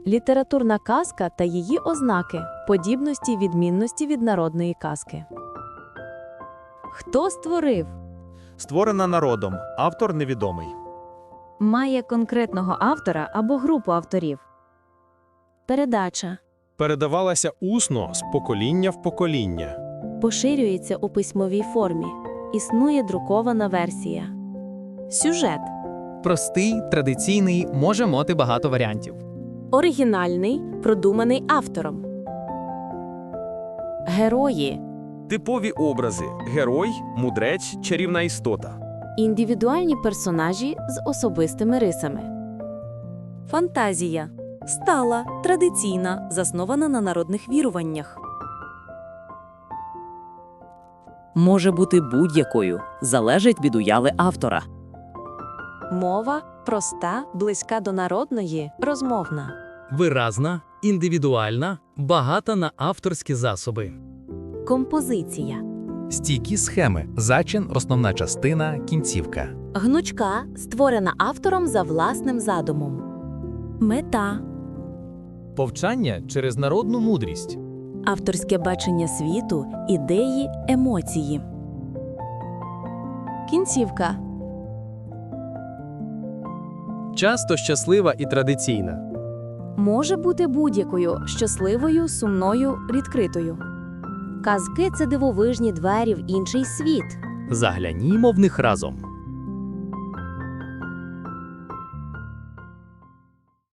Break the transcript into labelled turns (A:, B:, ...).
A: Літературна казка та її ознаки, подібності й відмінності від народної казки. Хто створив?
B: Створена народом, автор невідомий.
A: Має конкретного автора або групу авторів. Передача.
C: Передавалася усно з покоління в покоління.
A: Поширюється у письмовій формі. Існує друкована версія. Сюжет.
D: Простий, традиційний, може мати багато варіантів.
A: Оригінальний, продуманий автором. Герої.
E: Типові образи – герой, мудрець, чарівна істота.
A: Індивідуальні персонажі з особистими рисами. Фантазія. Стала, традиційна, заснована на народних віруваннях.
F: Може бути будь-якою, залежить від уяви автора.
A: Мова проста, близька до народної, розмовна.
G: Виразна, індивідуальна, багата на авторські засоби.
A: Композиція.
H: Стійкі схеми, зачин, основна частина, кінцівка.
A: Гнучка, створена автором за власним задумом. Мета.
D: Повчання через народну мудрість.
A: Авторське бачення світу, ідеї, емоції. Кінцівка.
D: Часто щаслива і традиційна.
A: Може бути будь-якою – щасливою, сумною, відкритою. Казки – це дивовижні двері в інший світ.
F: Заглянімо в них разом.